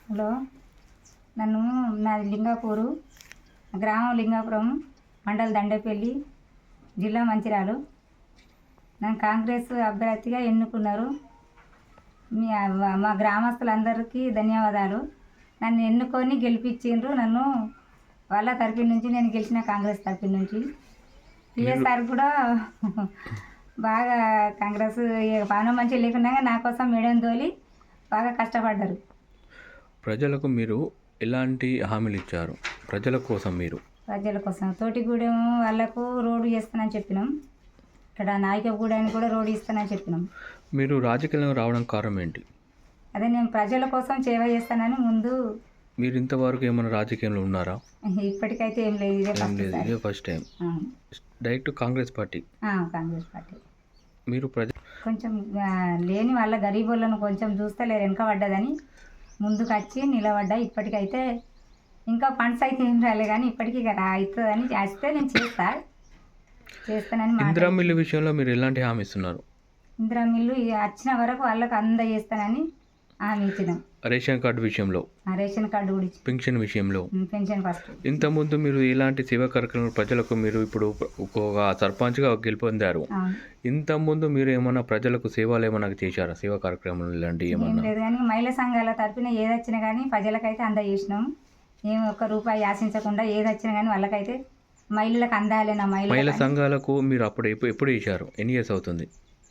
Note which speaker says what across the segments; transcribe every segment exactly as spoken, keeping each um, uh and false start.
Speaker 1: Hello, నన్ను నాది లింగాపూరు, గ్రామం లింగాపురం, మండల దండేపల్లి, జిల్లా మంచిర్యాల. నన్ను కాంగ్రెస్ అభ్యర్థిగా ఎన్నుకున్నారు. మీ మా గ్రామస్తులందరికీ ధన్యవాదాలు. నన్ను ఎన్నుకొని గెలిపించిండ్రు. నన్ను వాళ్ళ తరఫు నుంచి నేను గెలిచిన కాంగ్రెస్ తరఫు నుంచి. పిఎస్ఆర్ కూడా బాగా కాంగ్రెస్ పానం మంచిగా లేకుండా నా కోసం మేడం తోలి బాగా కష్టపడ్డారు.
Speaker 2: ప్రజలకు మీరు ఎలాంటి హామీలు ఇచ్చారు? ప్రజల కోసం మీరు
Speaker 1: ప్రజల కోసం తోటిగూడెం వాళ్ళకు రోడ్డు చేస్తానని చెప్పినాం. ఇక్కడ నాయకగూడెని కూడా రోడ్డు ఇస్తానని చెప్పినాం.
Speaker 2: మీరు రాజకీయంలో రావడం కారణం ఏంటి?
Speaker 1: అదే నేను ప్రజల కోసం సేవ చేస్తానని ముందు.
Speaker 2: మీరు ఇంతవరకు ఏమైనా రాజకీయంలో ఉన్నారా?
Speaker 1: ఇప్పటికైతే ఏం లేదు, ఇదే
Speaker 2: ఏం లేదు, ఇదే first time. Direct Congress party.
Speaker 1: Congress party.
Speaker 2: మీరు ప్రజ
Speaker 1: కొంచెం లేని వాళ్ళ గరీబులను కొంచెం చూస్తలేరు, వెనక పడ్డదని ముందుకు వచ్చి నిలబడ్డా. ఇప్పటికైతే ఇంకా ఫండ్స్ అయితే ఏం రాలే, కానీ ఇప్పటికీ అవుతుందని చేస్తే నేను చేస్తా చేస్తానని.
Speaker 2: ఇందిరా మిల్లు విషయంలో మీరు ఎలాంటి హామీ ఇస్తున్నారు?
Speaker 1: ఇందిరా మిల్లు వచ్చిన వరకు వాళ్ళకు అందజేస్తానని హామీ ఇచ్చినాం.
Speaker 2: రేషన్ కార్డు విషయంలో,
Speaker 1: రేషన్ కార్డు కూడా ఇచ్చి,
Speaker 2: పెన్షన్ విషయంలో,
Speaker 1: పెన్షన్ ఫస్ట్.
Speaker 2: ఇంతకుముందు మీరు ఇలాంటి సేవా కార్యక్రమాలు ప్రజలకు మీరు ఇప్పుడు ఒక సర్పంచ్గా గెలుపొందారు. ఇంతకుముందు మీరు ఏమైనా ప్రజలకు సేవలు ఏమైనా చేశారా? సేవా కార్యక్రమాలు ఇలాంటివి ఏమన్నా?
Speaker 1: లేదు, కానీ మహిళా సంఘాల తరఫున ఏది వచ్చినా కానీ ప్రజలకైతే అందజేసినాం. ఏం ఒక్క రూపాయి ఆశించకుండా ఏది వచ్చినా కానీ వాళ్ళకైతే మహిళలకు అందాలి. నా మహిళ
Speaker 2: మహిళా సంఘాలకు మీరు అప్పుడు ఎప్పుడు ఎప్పుడు ఇచ్చారు? ఎన్ని ఇయర్స్ అవుతుంది?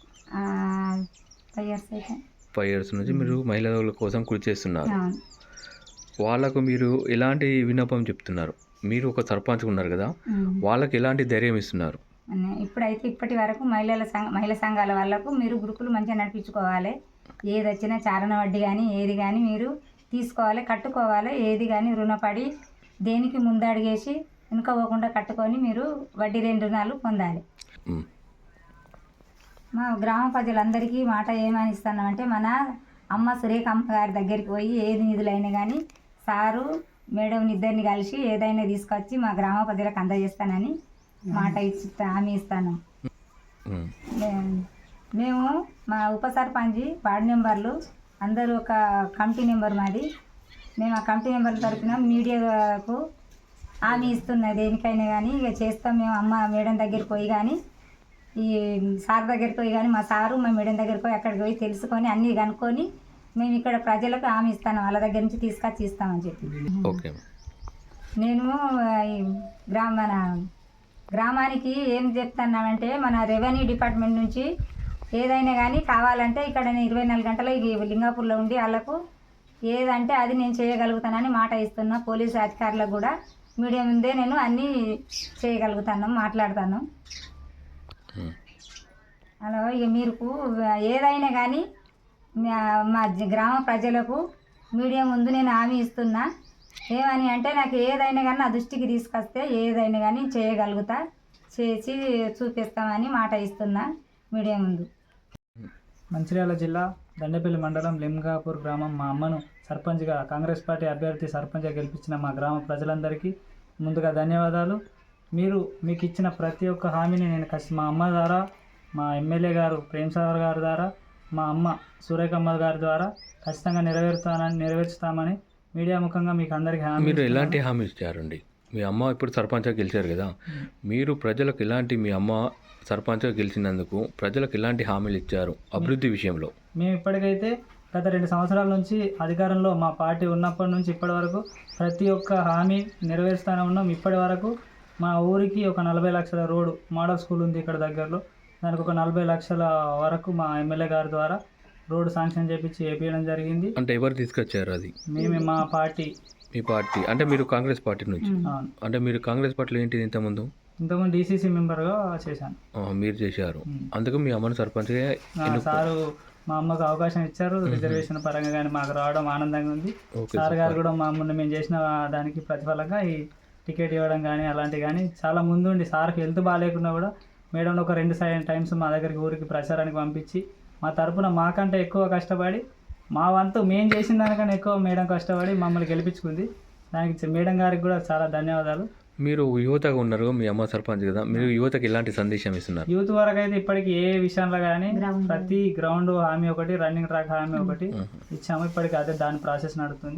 Speaker 1: ఫైవ్ ఇయర్స్ అయితే.
Speaker 2: ఫైవ్ ఇయర్స్ నుంచి మీరు మహిళల కోసం కృషి చేస్తున్నారు. వాళ్ళకు మీరు ఎలాంటి విన్నపం చెప్తున్నారు? మీరు ఒక సర్పంచ్ ఉన్నారు కదా, వాళ్ళకి ఎలాంటి ధైర్యం ఇస్తున్నారు?
Speaker 1: ఇప్పుడైతే ఇప్పటి వరకు మహిళల సంఘ మహిళా సంఘాల వాళ్ళకు మీరు గ్రూపులు మంచిగా నడిపించుకోవాలి. ఏది వచ్చినా చారణ వడ్డీ కానీ ఏది కానీ మీరు తీసుకోవాలి, కట్టుకోవాలి. ఏది కానీ రుణపడి దేనికి ముందడిగేసి వెనుక పోకుండా కట్టుకొని మీరు వడ్డీ లేని రుణాలు పొందాలి. మా గ్రామ ప్రజలందరికీ మాట ఏమని ఇస్తున్నామంటే, మన అమ్మ సురేఖ అమ్మ గారి దగ్గరికి పోయి ఏది నిధులైనా కానీ సారు మేడం ఇద్దరిని కలిసి ఏదైనా తీసుకొచ్చి మా గ్రామ ప్రజలకు అందజేస్తానని మాట ఇచ్చి హామీ ఇస్తాను. మేము మా ఉప సర్పంచి వార్డు మెంబర్లు అందరూ ఒక కమిటీ నెంబర్ మాది. మేము ఆ కమిటీ నెంబర్ తరఫున మీడియాకు హామీ ఇస్తున్నది. దేనికైనా కానీ ఇక చేస్తాం. మేము అమ్మ మేడం దగ్గరికి పోయి కానీ ఈ సార్ దగ్గరికి పోయి కానీ మా సారు మా మేడం దగ్గరికి పోయి అక్కడికి పోయి తెలుసుకొని అన్నీ కనుక్కొని మేము ఇక్కడ ప్రజలకు హామీ ఇస్తాను. వాళ్ళ దగ్గర నుంచి తీసుకొచ్చి ఇస్తామని చెప్పి.
Speaker 2: ఓకే. నేను
Speaker 1: గ్రామ మన గ్రామానికి ఏం చెప్తున్నామంటే, మన రెవెన్యూ డిపార్ట్మెంట్ నుంచి ఏదైనా కానీ కావాలంటే ఇక్కడ నేను ఇరవై నాలుగు గంటలు ఈ లింగాపూర్లో ఉండి వాళ్ళకు ఏదంటే అది నేను చేయగలుగుతానని మాట ఇస్తున్నా. పోలీసు అధికారులకు కూడా మీడియా ముందే నేను అన్నీ చేయగలుగుతాను, మాట్లాడతాను. అలా ఇక మీరు ఏదైనా కానీ మా గ్రామ ప్రజలకు మీడియా ముందు నేను హామీ ఇస్తున్నా. ఏమని అంటే, నాకు ఏదైనా కానీ నా దృష్టికి తీసుకొస్తే ఏదైనా కానీ చేయగలుగుతా, చేసి చూపిస్తామని మాట ఇస్తున్నా మీడియా ముందు.
Speaker 3: మంచిర్యాల జిల్లా దండేపల్లి మండలం లింగాపూర్ గ్రామం మా అమ్మను సర్పంచ్గా కాంగ్రెస్ పార్టీ అభ్యర్థి సర్పంచ్గా గెలిపించిన మా గ్రామ ప్రజలందరికీ ముందుగా ధన్యవాదాలు. మీరు మీకు ఇచ్చిన ప్రతి ఒక్క హామీని నేను ఖచ్చితంగా మా అమ్మ ద్వారా, మా ఎమ్మెల్యే గారు ప్రేమ్ సాగర్ గారి ద్వారా, మా అమ్మ సురేఖమ్మ గారి ద్వారా ఖచ్చితంగా నెరవేరుతానని నెరవేర్చుతామని మీడియా ముఖంగా మీకు అందరికీ హామీ.
Speaker 2: మీరు ఎలాంటి హామీ ఇచ్చారండి? మీ అమ్మ ఇప్పుడు సర్పంచ్గా గెలిచారు కదా, మీరు ప్రజలకు ఎలాంటి, మీ అమ్మ సర్పంచ్గా గెలిచినందుకు ప్రజలకు ఎలాంటి హామీలు ఇచ్చారు అభివృద్ధి విషయంలో?
Speaker 3: మేము ఇప్పటికైతే గత రెండు సంవత్సరాల నుంచి అధికారంలో మా పార్టీ ఉన్నప్పటి నుంచి ఇప్పటి వరకు ప్రతి ఒక్క హామీ నెరవేరుస్తూనే ఉన్నాం. ఇప్పటి వరకు మా ఊరికి ఒక నలభై లక్షల రోడ్డు మోడల్ స్కూల్ ఉంది ఇక్కడ దగ్గరలో, దానికి ఒక నలభై లక్షల వరకు మా ఎమ్మెల్యే గారి ద్వారా రోడ్డు శాంక్షన్ చేపించి వేపించడం జరిగింది.
Speaker 2: అంటే ఎవరు తీసుకొచ్చారు అది?
Speaker 3: మేమే, మా పార్టీ.
Speaker 2: మీ పార్టీ అంటే మీరు కాంగ్రెస్ పార్టీ నుంచి? అంటే మీరు కాంగ్రెస్ పార్టీలో ఏంటిది ఇంతకుముందు?
Speaker 3: ఇంతకుముందు డీసీసీ మెంబర్గా చేశాను.
Speaker 2: మీరు చేశారు, అందుకు మీ అమ్మను సర్పంచ్గా.
Speaker 3: సారు మా అమ్మకు అవకాశం ఇచ్చారు రిజర్వేషన్ పరంగా, కానీ మాకు రావడం ఆనందంగా ఉంది. సార్ గారు కూడా మా అమ్మని మేము చేసిన దానికి ప్రతిఫలంగా ఈ టికెట్ ఇవ్వడం కానీ అలాంటివి కానీ చాలా ముందుండి, సార్కి హెల్త్ బాగాలేకున్నా కూడా మేడం ఒక రెండు టైమ్స్ మా దగ్గరికి ఊరికి ప్రచారానికి పంపించి మా తరపున మాకంటే ఎక్కువ కష్టపడి మా వంతు మేము చేసిన దానికన్నా ఎక్కువ మేడం కష్టపడి మమ్మల్ని గెలిపించుకుంది. దానికి మేడం గారికి కూడా చాలా ధన్యవాదాలు.
Speaker 2: మీరు యువతగా ఉన్నారు, మీ అమ్మ సర్పంచ్ కదా, మీరు యువతకి ఎలాంటి సందేశం ఇస్తున్నారు?
Speaker 3: యూత్ వరకు అయితే ఇప్పటికి ఏ విషయంలో కానీ ప్రతి గ్రౌండ్ హామీ ఒకటి, రన్నింగ్ ట్రాక్ హామీ ఒకటి ఇచ్చాము. ఇప్పటికి అదే దాని ప్రాసెస్ నడుస్తుంది.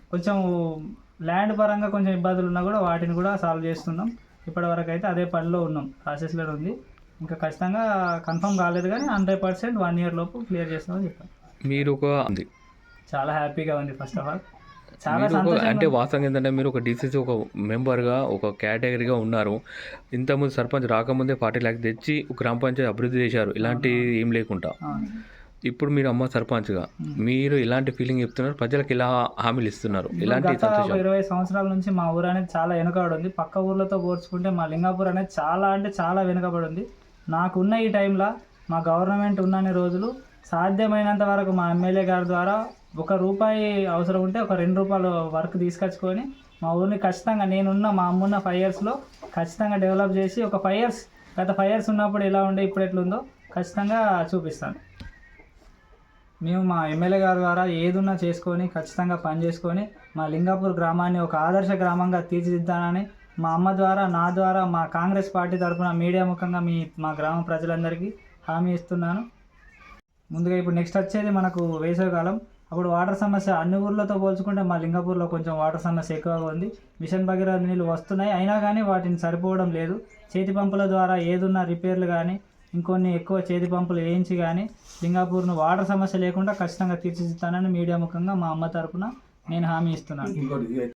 Speaker 3: కొంచెం ల్యాండ్ పరంగా కొంచెం ఇబ్బందులు ఉన్నా కూడా వాటిని కూడా సాల్వ్ చేస్తున్నాం. ఇప్పటివరకు అయితే అదే పనిలో ఉన్నాం, ప్రాసెస్లో ఉంది. ఇంకా ఖచ్చితంగా కన్ఫర్మ్ కాలేదు కానీ హండ్రెడ్ పర్సెంట్ వన్ ఇయర్ లోపు క్లియర్ చేస్తామని చెప్పాను.
Speaker 2: మీరు ఒక ఉంది
Speaker 3: చాలా హ్యాపీగా ఉంది. ఫస్ట్ ఆఫ్ ఆల్ చాలా
Speaker 2: మీరు ఒక-
Speaker 3: సంతోషంగా
Speaker 2: అంటే
Speaker 3: ఉంది.
Speaker 2: వాస్తవంగా ఏంటంటే మీరు ఒక డీసీసీ ఒక మెంబర్గా ఒక కేటగిరీగా ఉన్నారు. ఇంతకుముందు సర్పంచ్ రాకముందే ఫార్టీ ల్యాక్స్ తెచ్చి గ్రామ పంచాయతీ అభివృద్ధి చేశారు, ఇలాంటి ఏం లేకుండా.
Speaker 3: అవును.
Speaker 2: ఇప్పుడు మీరు అమ్మ సర్పంచ్గా మీరు ఇలాంటి ఫీలింగ్ చెప్తున్నారు, ప్రజలకు ఇలా హామీలు ఇస్తున్నారు, ఇలాంటి
Speaker 3: గత ఒక
Speaker 2: సంతోషం.
Speaker 3: ఇరవై సంవత్సరాల నుంచి మా ఊరు అనేది చాలా వెనుకబడి ఉంది. పక్క ఊర్లతో పోల్చుకుంటే మా లింగాపూర్ అనేది చాలా అంటే చాలా వెనుకబడి ఉంది. నాకున్న ఈ టైంలో మా గవర్నమెంట్ ఉన్నన్ని రోజులు సాధ్యమైనంత వరకు మా ఎమ్మెల్యే గారి ద్వారా ఒక రూపాయి అవసరం ఉంటే ఒక రెండు రూపాయలు వర్క్ తీసుకొచ్చుకొని మా ఊరిని ఖచ్చితంగా నేనున్న మా అమ్మున్న ఫైవ్ ఇయర్స్లో ఖచ్చితంగా డెవలప్ చేసి ఒక ఫైవ్ ఇయర్స్ గత ఫైవ్ ఇయర్స్ ఉన్నప్పుడు ఎలా ఉండే ఇప్పుడు ఎట్లుందో ఖచ్చితంగా చూపిస్తాను. మేము మా ఎమ్మెల్యే గారి ద్వారా ఏదున్నా చేసుకొని ఖచ్చితంగా పని చేసుకొని మా లింగాపూర్ గ్రామాన్ని ఒక ఆదర్శ గ్రామంగా తీర్చిదిద్దానని మా అమ్మ ద్వారా నా ద్వారా మా కాంగ్రెస్ పార్టీ తరఫున మీడియా ముఖంగా మీ మా గ్రామ ప్రజలందరికీ హామీ ఇస్తున్నాను. ముందుగా ఇప్పుడు నెక్స్ట్ వచ్చేది మనకు వేసవికాలం. అప్పుడు వాటర్ సమస్య అన్ని ఊర్లతో పోల్చుకుంటే మా లింగాపూర్లో కొంచెం వాటర్ సమస్య ఎక్కువగా ఉంది. మిషన్ భగీరథ నీళ్ళు వస్తున్నాయి, అయినా కానీ వాటిని సరిపోవడం లేదు. చేతి పంపుల ద్వారా ఏదున్నా రిపేర్లు కానీ ఇంకొన్ని ఎక్కువ చేతి పంపులు వేయించి కానీ లింగాపూర్ను వాటర్ సమస్య లేకుండా ఖచ్చితంగా తీర్చిదిద్దానని మీడియా ముఖంగా మా అమ్మ తరఫున నేను హామీ ఇస్తున్నాను.